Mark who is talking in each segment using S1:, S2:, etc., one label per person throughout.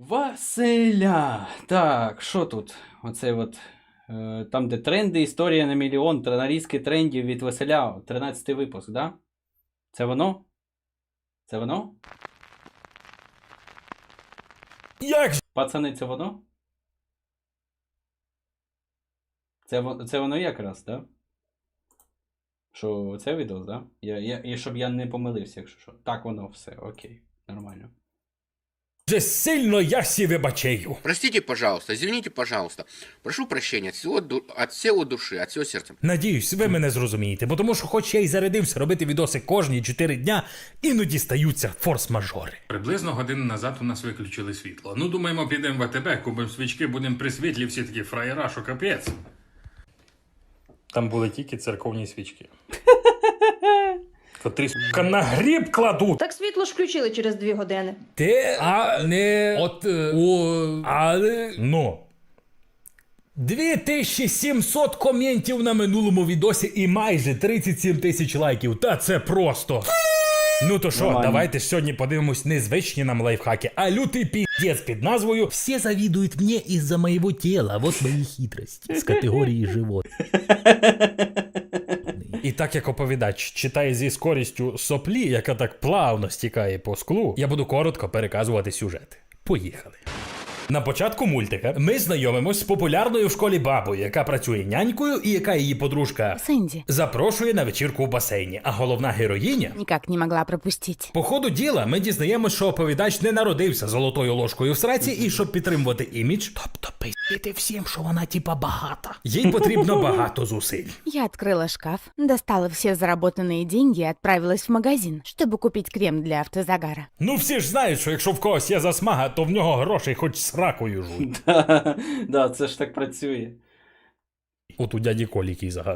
S1: Василя! Так, що тут? Оце от. Там, де тренди, історія на мільйон, нарізки трендів від Василя. 13-й випуск, да? Це воно? Це воно?
S2: Як же?
S1: Пацани, це воно? Це воно якраз, да? Що це відео, да? І щоб я не помилився, якщо що. Так воно все, окей, нормально.
S2: Же сильно я сі вибачаю.
S3: Простите, пожалуйста, извините, пожалуйста. Прошу прощения от всего души, от всего сердца.
S2: Надіюсь, ви мене зрозумієте, бо тому що хоч я й зарядився робити відоси кожні 4 дня, іноді стаються форс-мажори.
S4: Приблизно годину назад у нас виключили світло. Ну, думаємо, підемо в АТБ, купимо свічки, будемо при світлі, всі такі фраєра, що капець. Там були тільки церковні свічки. Котрі, сука, на гріб кладуть.
S5: Так світло ж включили через 2 години.
S2: Те, а не от, але, ну. 2700 коментів на минулому відосі і майже 37 тисяч лайків. Та це просто. Ну то що,
S1: Нормально.
S2: давайте сьогодні подивимось не звичні нам лайфхаки, а лютий піздець під назвою «Все завидуют мне из-за моего тела, вот мои хитрости» з категорії живот. І так як оповідач читає зі скорістю соплі, яка так плавно стікає по склу, я буду коротко переказувати сюжет. Поїхали. На початку мультика ми знайомимось з популярною в школі бабою, яка працює нянькою і яка її подружка
S6: Сэнди.
S2: запрошує на вечірку в басейні. А головна героїня...
S6: Никак не могла пропустить.
S2: По ходу діла ми дізнаємось, що оповідач не народився золотою ложкою в сраці і щоб підтримувати імідж, тобто пиздити всім, що вона типа багата. Їй потрібно багато зусиль.
S6: Я открыла шкаф, достала все заработанные деньги и отправилась в магазин, чтобы купить крем для автозагара.
S2: Ну всі ж знають, що якщо в когось є засмага, то в нього грошей хоч сракою жуй.
S1: Да, це ж так працює.
S2: От у дяді Колі який загар.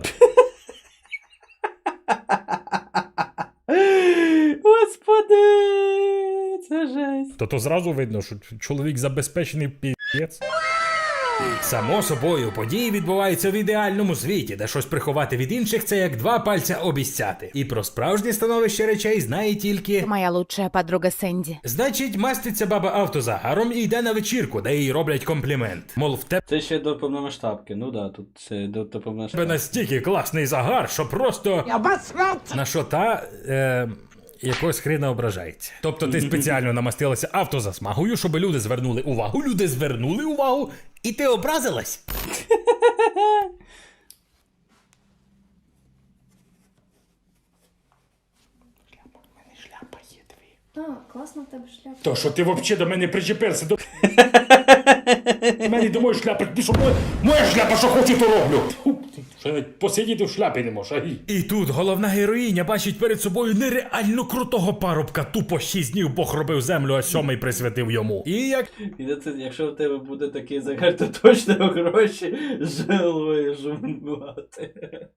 S1: Господи, це жесть.
S2: То зразу видно, що чоловік забезпечений пі***ць. Само собою, події відбуваються в ідеальному світі, де щось приховати від інших – це як 2 пальця обіцяти. І про справжнє становище речей знає тільки...
S6: Моя лучшая подруга Сэнди.
S2: Значить, маститься баба автозагаром і йде на вечірку, де їй роблять комплімент. Мол, в тебе
S1: Це ще до повномасштабки. Ну да, тут це до повномасштабки.
S2: настільки класний загар, що просто... На що та... якогось хрена ображається. Тобто ти спеціально намастилася автозасмагою, щоб люди звернули увагу. Люди звернули увагу, і ти образилась?
S5: Так, класно в тебе шляпа.
S2: То, що ти взагалі до мене причепився, до... Мені до моєї шляпи, ти що, моя шляпа, що хочу, то роблю. Що навіть посидіти в шляпі не можеш, І тут головна героїня бачить перед собою нереально крутого парубка. Тупо 6 днів Бог робив землю, а 7-й присвятив йому. І як...
S1: І це, якщо в тебе буде такий загар, то точно гроші жилої жумати.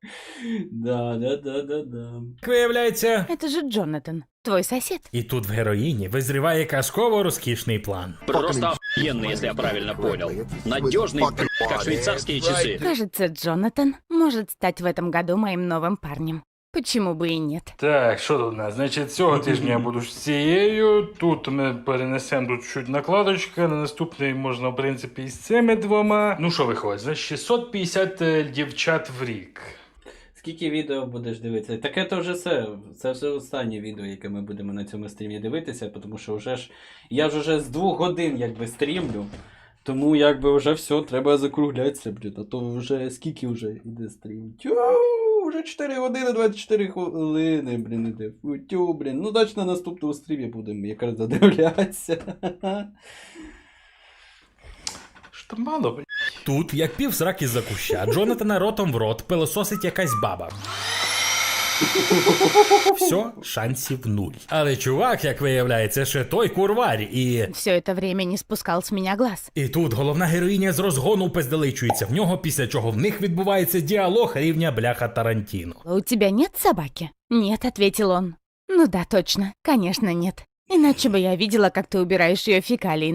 S1: Да.
S2: виявляється...
S6: Это же Джонатан, твой сосед.
S2: І тут в героїні визріває казково розкішний план.
S7: Просто охуенный, если я правильно понял. Надежный, как швейцарские часы.
S6: Кажется, Джонатан может стать в этом году моим новым парнем. Почему бы и нет?
S4: Так, що тут у нас? Значить, цього тижня я буду з цією. Тут ми перенесемо тут чуть накладочка. На наступний можна, в принципі, із цими 2. Ну що виходить? Значить, 650 дівчат в рік.
S1: Скільки відео будеш дивитися? Таке то вже все. Це вже останнє відео, яке ми будемо на цьому стрімі дивитися, тому що вже ж я ж уже з 2 годин якби стрімлю. Тому якби вже все, треба закруглятися, блін. А то вже скільки вже йде стрім? Тю, вже 4 години 24 хвилини, блін, іде. Тю, блін. Ну, значить на наступному стрімі будемо якраз задивлятися.
S4: Що мало, блядь.
S2: Тут, як пів сраки з-за куща, Джонатана ротом в рот пилососить якась баба. Все, шансів 0. Але чувак, як виявляється, ще той курварі і...
S6: Все это время не спускал с меня глаз.
S2: І тут головна героїня з розгону пизделичується в нього, після чого в них відбувається діалог рівня бляха Тарантіно.
S6: У тебя нет собаки? Нет, ответил он. Ну да, точно, конечно нет. Иначе бы я видела, как ты убираешь ее фекалии.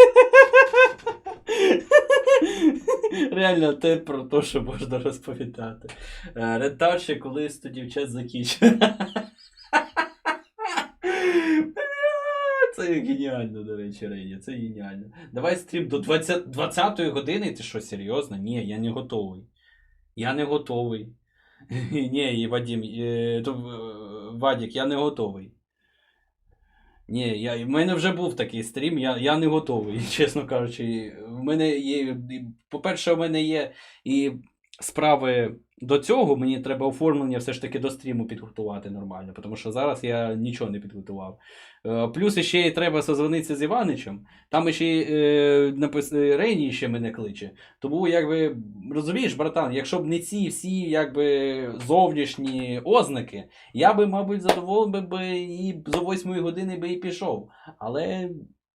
S1: Реально те про те, що можна розповідати. Рентар ще колись тоді в час закінчив. Це геніально, до речі, Рені, це геніально. Давай стрім до 20-ї години, ти що, серйозно? Ні, я не готовий. Я не готовий. Ні, і Вадим, Вадік, я не готовий. Ні, в мене вже був такий стрім, я не готовий, чесно кажучи. В мене є, по-перше, в мене є і справи до цього, мені треба оформлення все ж таки до стріму підготувати нормально, тому що зараз я нічого не підготував. Плюс ще й треба созвонитися з Іваничем, там ще Рені ще мене кличе. Тому, якби, розумієш, братан, якщо б не ці всі, якби, зовнішні ознаки, я би, мабуть, задоволений би і за 8 години би і пішов. Але,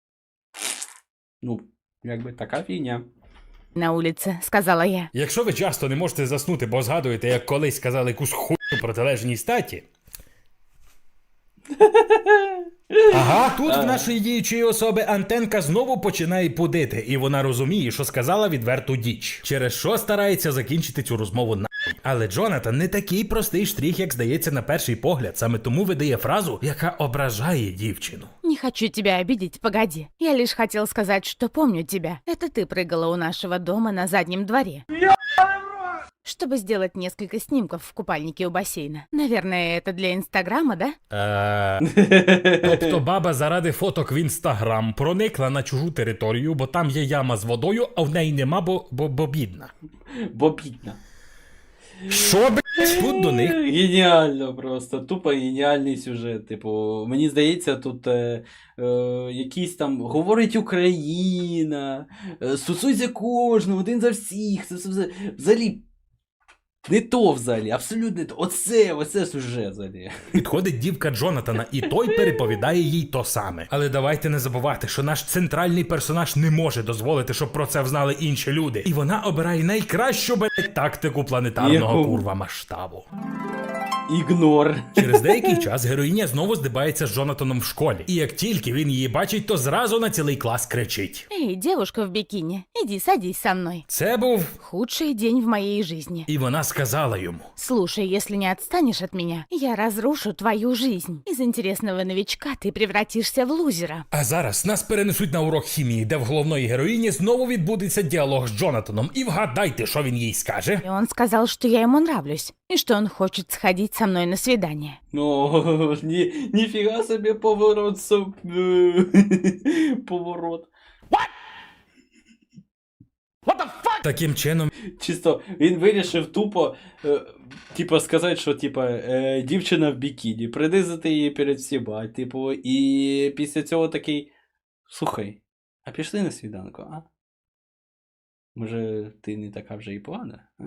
S1: ну, якби, така фігня.
S6: На улице, сказала я.
S2: Якщо ви часто не можете заснути, бо згадуєте, як колись сказали якусь хуйню протилежній статі. Ага, тут в нашої діючої особи антенка знову починає пудити, і вона розуміє, що сказала відверту діч, через що старається закінчити цю розмову нахуй. Але Джонатан не такий простий штрих, як здається на перший погляд, саме тому видає фразу, яка ображає дівчину.
S6: Не хочу тебя обидеть, погоди. Я лишь хотел сказать, что помню тебя. Это ты прыгала у нашего дома на заднем дворе. Чтобы сделать несколько снимков в купальнике у бассейна. Наверное, это для Инстаграма, да?
S2: Тобто баба заради фоток в Інстаграм проникла на чужу територію, бо там є яма з водою, а в неї нема, бо бідна.
S1: Бо бідна.
S2: Що, блядь, тут до них?
S1: Геніально просто, тупо геніальний сюжет. Типу, мені здається, тут якийсь там говорить Україна, стосується кожного, один за всіх. Це взагалі не то взагалі, абсолютно не то. Оце сюжет взагалі.
S2: Підходить дівка Джонатана, і той переповідає їй то саме. Але давайте не забувати, що наш центральний персонаж не може дозволити, щоб про це взнали інші люди. І вона обирає найкращу, блядь, тактику планетарного
S1: Яку?
S2: курва масштабу.
S1: Ігнор.
S2: Через деякий час героїня знову здибається з Джонатаном в школі. І як тільки він її бачить, то зразу на цілий клас кричить.
S6: Эй, девушка в бикини, иди садись со мной.
S2: Це був...
S6: Худший день в моей жизни.
S2: І вона сказала йому.
S6: Слушай, если не отстанешь от меня, я разрушу твою жизнь. Из интересного новичка ты превратишься в лузера.
S2: А зараз нас перенесуть на урок хімії, де в головної героїні знову відбудеться діалог з Джонатаном. І вгадайте, що він їй скаже.
S6: И он сказал, что я ему нравлюсь, и что он хочет сходить со мной на свидание.
S1: Ну, ніфіга собі поворот. Поворот.
S2: Таким чином,
S1: Чисто він вирішив тупо, типа, сказати, що типа, дівчина в бікіні, принизити її перед всіма, типу, і після цього такий, слухай, а пішли на свіданку, а? Може, ти не така вже і погана, а?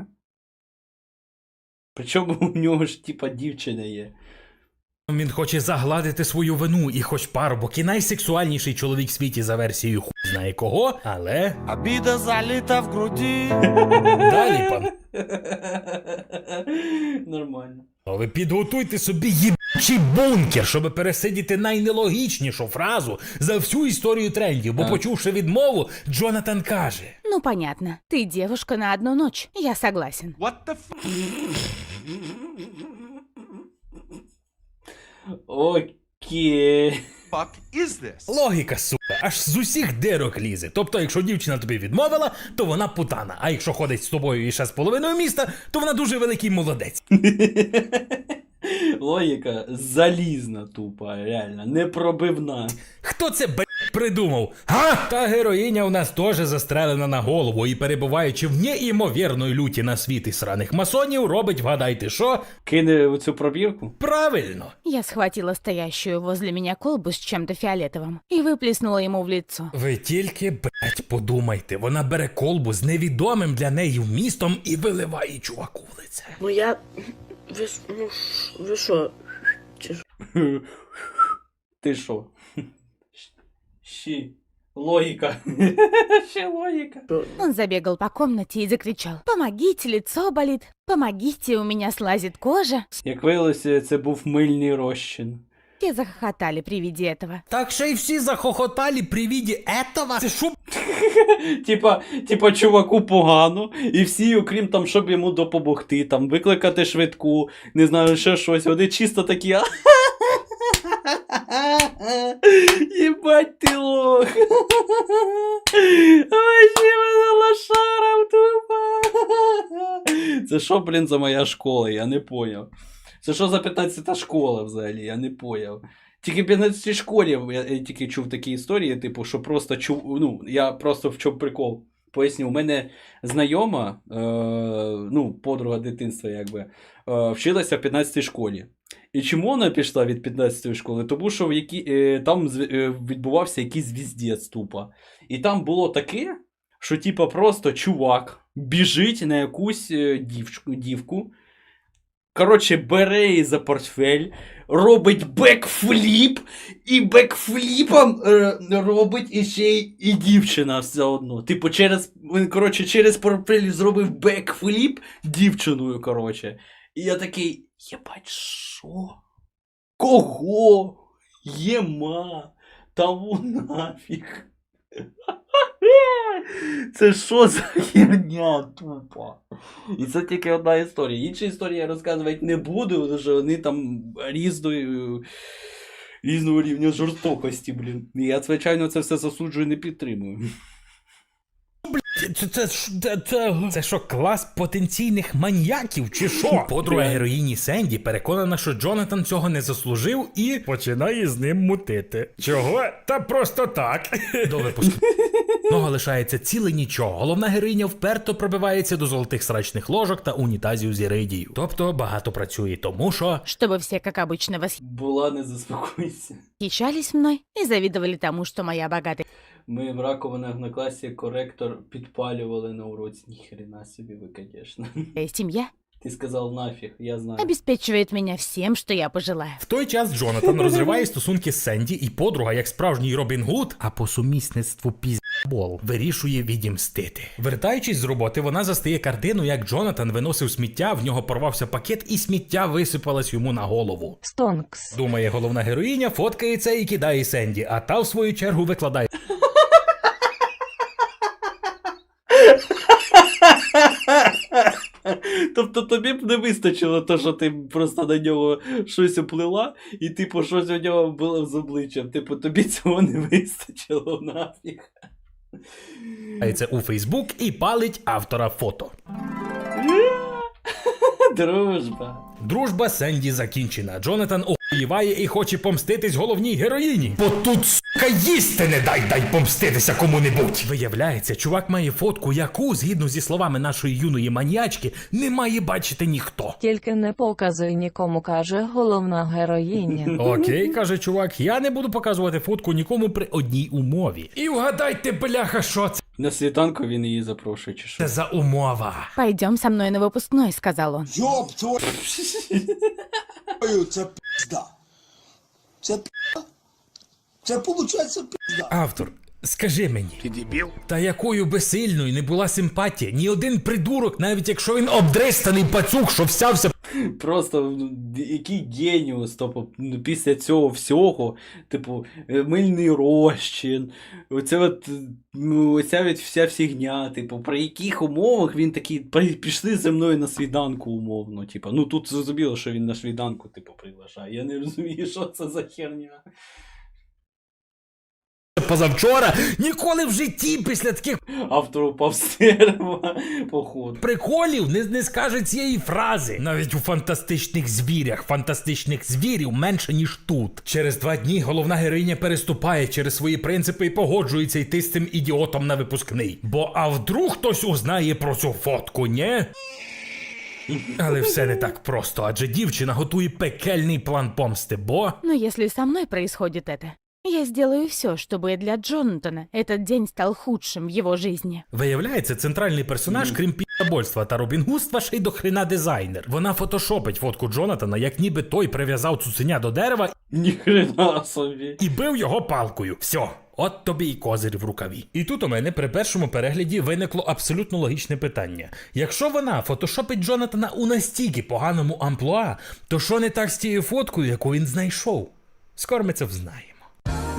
S1: Причому у нього ж, типа, дівчина є.
S2: він хоче загладити свою вину, і хоч парубок і найсексуальніший чоловік в світі за версією хуй знає кого, але...
S8: Обида залита в груди.
S2: Далі, пан.
S1: Нормально.
S2: Ви підготуйте собі їбучий бункер, щоб пересидіти найнелогічнішу фразу за всю історію трендів, бо почувши відмову, Джонатан каже.
S6: Ну, понятно. Ты девушка на одну ночь. Я согласен.
S8: What the
S1: Окей.
S8: fuck is this?
S2: Логіка, сука, аж з усіх дирок лізе. Тобто, якщо дівчина тобі відмовила, то вона путана. А якщо ходить з тобою і ще з половиною міста, то вона дуже великий молодець.
S1: Логіка залізна тупа, реально, непробивна.
S2: Хто це, придумав? Га? Та героїня у нас теж застрелена на голову і, перебуваючи в неймовірної люті на світі сраних масонів, робить, вгадайте що?
S1: Кине оцю пробірку?
S2: Правильно.
S6: Я схватила стоящую возле меня колбу с чем-то фиолетовым и выплеснула ему в лицо.
S2: Ви тільки, подумайте, вона бере колбу з невідомим для неї вмістом і виливає чуваку в лице.
S9: Ну я... Ви що?
S1: Ти що? Щі. Логіка. Ще логіка.
S6: Он забегал по комнате и закричал: «Помогите, лицо болит! Помогите, у меня слазит кожа!»
S1: Як виявилося, це був мильний розчин.
S6: Все захохотали при виде этого.
S2: Так ще й всі захохотали при віді этого? Це що?
S1: Типа, чуваку погано, і всі, окрім там, щоб йому допомогти, там, викликати швидку, не знаю, ще щось, вони чисто такі. Ебать ты лох. Вообще мене лошаром тупо. Це що, блін, за моя школа? Я не поняв. Це що за 15-та школа взагалі? Я не поняв. Тільки в 15-й школі я тільки чув такі історії, типу, що просто чув, ну, я просто в чому прикол. Поясню, у мене знайома, ну, подруга дитинства, якби, вчилася в 15-й школі. І чому вона пішла від 15-ї школи? Тому що там відбувався якийсь звіздець тупо. І там було таке, що типа просто чувак біжить на якусь дівку, коротше, бере її за портфель, робить бекфліп, і бекфліпом робить іще і дівчина все одно. Типу, через портфель зробив бекфліп дівчиною, коротше. І я такий, єбать, що? Кого? Єма? Тому нафіг. Це що за херня тупа? І це тільки одна історія. Інші історії я розказувати не буду, тому що вони там різного рівня жорстокості, блін. І я, звичайно, це все засуджую і не підтримую.
S2: Це що, клас потенційних маньяків, чи що? Подруга героїні Сенді переконана, що Джонатан цього не заслужив і починає з ним мутити. Чого? Та просто так. До випуску. Нога лишається ціле нічого. Головна героїня вперто пробивається до золотих срачних ложок та унітазів з іридією. Тобто багато працює, тому що...
S6: Чтобы все, как обычно,
S1: Була, не заспокойся.
S6: восхищались мной и завидовали тому, что моя богатая
S1: Ми в раковинах на класі коректор підпалювали на уроці. Ніхрена собі ви, конечно.
S6: семья
S1: Ти сказав нафіг, я знаю.
S6: обеспечивает меня всем, что я пожелаю.
S2: В той час Джонатан розриває стосунки з Сенді, і подруга, як справжній Робін Гуд, а по сумісництву піздбол, вирішує відімстити. Вертаючись з роботи, вона застає картину, як Джонатан виносив сміття, в нього порвався пакет, і сміття висипалось йому на голову.
S9: Стонкс.
S2: Думає головна героїня, фоткає це і кидає Сенді, а та в свою чергу викладає
S1: Тобто тобі б не вистачило то, що ти просто на нього щось оплила, і типу щось у нього було з обличчям. Типу тобі цього не вистачило нафіг.
S2: це у Фейсбук і палить автора фото.
S1: Дружба.
S2: Дружба Сенді закінчена. Джонатан охуєває і хоче помститись головній героїні. Бо тут, сука, їсти не дай помститися кому-небудь. Виявляється, чувак має фотку, яку, згідно зі словами нашої юної маніячки, не має бачити ніхто.
S9: Тільки не показуй нікому, каже головна героїня.
S2: Окей, каже чувак, я не буду показувати фотку нікому при одній умові. І вгадайте, бляха, що це
S1: На світанку він її запрошує, чи що?
S2: за умова?
S6: Пойдем со мной на выпускной, сказал он.
S8: Йоп, твою, це пизда. Це пизда. Це получається пизда.
S2: Автор, скажи мені,
S3: Ты дебил?
S2: та якою би сильною не була симпатія, ні один придурок, навіть якщо він обдристаний пацюк, що всявся
S1: Просто який геніус, тобто після цього всього, типу, мильний розчин, оця вся фігня, типу, при яких умовах він такий, пішли зі мною на свіданку умовно, типу, ну тут зрозуміло, що він на свіданку, типу, приглашає, я не розумію, що це за херня.
S2: позавчора, ніколи в житті після таких
S1: Автор упав з дерева, походу.
S2: приколів не скаже цієї фрази. Навіть у фантастичних звірях фантастичних звірів менше, ніж тут. Через 2 дні головна героїня переступає через свої принципи і погоджується йти з цим ідіотом на випускний. Бо а вдруг хтось узнає про цю фотку, ні? Але все не так просто, адже дівчина готує пекельний план помсти, бо...
S6: Но если со мной происходит это, я сделаю все, чтобы для Джонатана этот день стал худшим в его жизни.
S2: Виявляється, центральний персонаж, крім пі***больства та робінгудства, ще й до хрена дизайнер. Вона фотошопить фотку Джонатана, як ніби той прив'язав цуценя до дерева
S1: Ніхрена собі.
S2: і бив його палкою. Все. От тобі і козир в рукаві. І тут у мене при першому перегляді виникло абсолютно логічне питання. Якщо вона фотошопить Джонатана у настільки поганому амплуа, то що не так з тією фоткою, яку він знайшов? Скоро ми це взнаємо.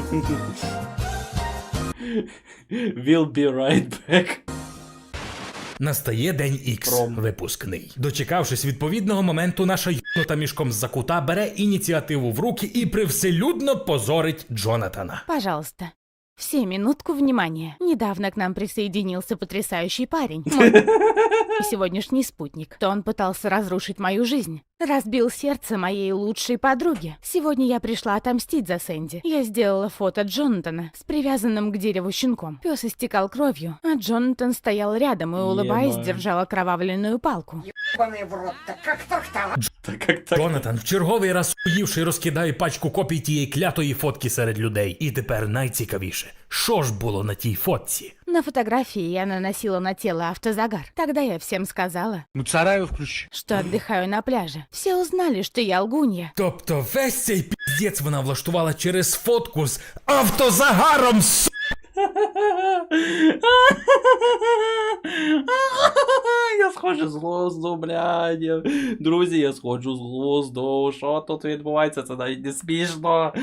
S1: We'll be right back.
S2: Настає день Ікс,
S1: Пром.
S2: випускний. Дочекавшись відповідного моменту, наша юта мішком з-за кута бере ініціативу в руки і привселюдно позорить Джонатана.
S6: Пожалуйста. Все, минутку внимания. Недавно к нам присоединился потрясающий парень. Мой сегодняшний спутник. То он пытался разрушить мою жизнь. Разбил сердце моей лучшей подруги. Сегодня я пришла отомстить за Сэнди. Я сделала фото Джонатана с привязанным к дереву щенком. Пес истекал кровью, а Джонатан стоял рядом и, улыбаясь,
S1: Ебать.
S6: держал окровавленную палку.
S1: Так як так.
S2: Джонатан в черговий раз уївши розкидає пачку копій тієї клятої фотки серед людей. І тепер найцікавіше, що ж було на тій фотці?
S6: На фотографии я наносила на тело автозагар. Тогда я всем сказала,
S8: Муцараев включи.
S6: что отдыхаю на пляже. Все узнали, что я лгунья.
S2: Тобто весь цей піздець вона влаштувала через фотку з автозагаром,
S1: Я сходжу з глузду, блядь. Друзі, я сходжу з глузду. Що тут відбувається? Це навіть не смішно.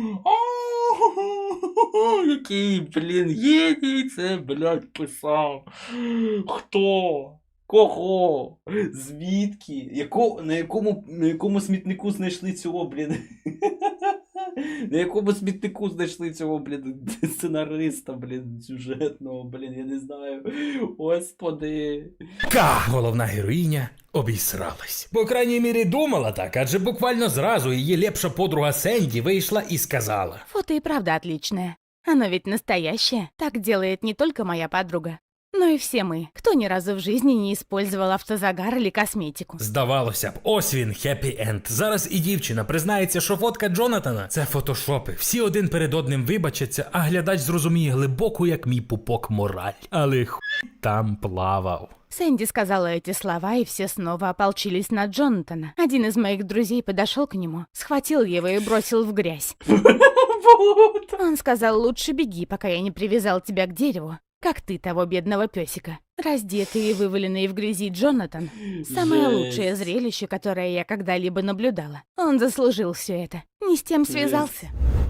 S1: Який, блін, геній це, блядь, писав. Хто? Кого? Звідки? На якому смітнику знайшли цього, блін? На якому смітнику знайшли цього, блін, сценариста, блін, сюжетного, блін, я не знаю. Господи.
S2: головна героїня, обісралась. По крайній мірі думала так, адже буквально зразу її лепша подруга Сенді вийшла і сказала.
S6: Фото и правда отличное. Оно ведь настоящее. Так делает не только моя подруга, но и все мы, кто ни разу в жизни не использовал автозагар или косметику.
S2: Здавалося б, ось він, хеппі-енд. Зараз і дівчина признається, що фотка Джонатана – це фотошопи. Всі один перед одним вибачаться, а глядач зрозуміє глибоку, як мій пупок, мораль. Але хуй там плавав.
S6: Сэнди сказала эти слова, и все снова ополчились на Джонатана. Один из моих друзей подошел к нему, схватил его и бросил в грязь. Он сказал, лучше беги, пока я не привязал тебя к дереву, как ты того бедного песика. Раздетый и вываленный в грязи Джонатан – самое
S1: Жесть.
S6: лучшее зрелище, которое я когда-либо наблюдала. Он заслужил все это. Не с тем связался.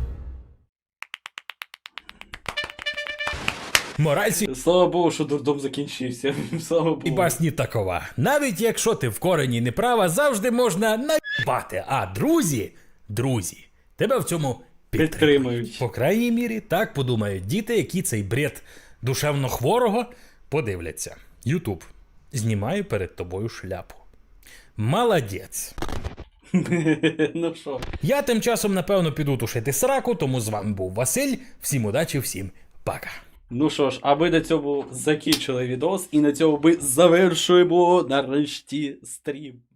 S2: Мораль
S1: Слава Богу, що дурдом закінчився. Слава Богу.
S2: і басні такова. Навіть якщо ти в корені не права, завжди можна наїбати. А друзі, тебе в цьому
S1: Підтримують.
S2: По крайній мірі, так подумають діти, які цей бред душевно хворого подивляться. Ютуб, знімаю перед тобою шляпу. Молодець.
S1: Ну що?
S2: Я тим часом, напевно, піду тушити сраку, тому з вами був Василь. Всім удачі, всім пока.
S1: Ну що ж, а ми на цьому закінчили відос і на цьому ми завершуємо нарешті стрім.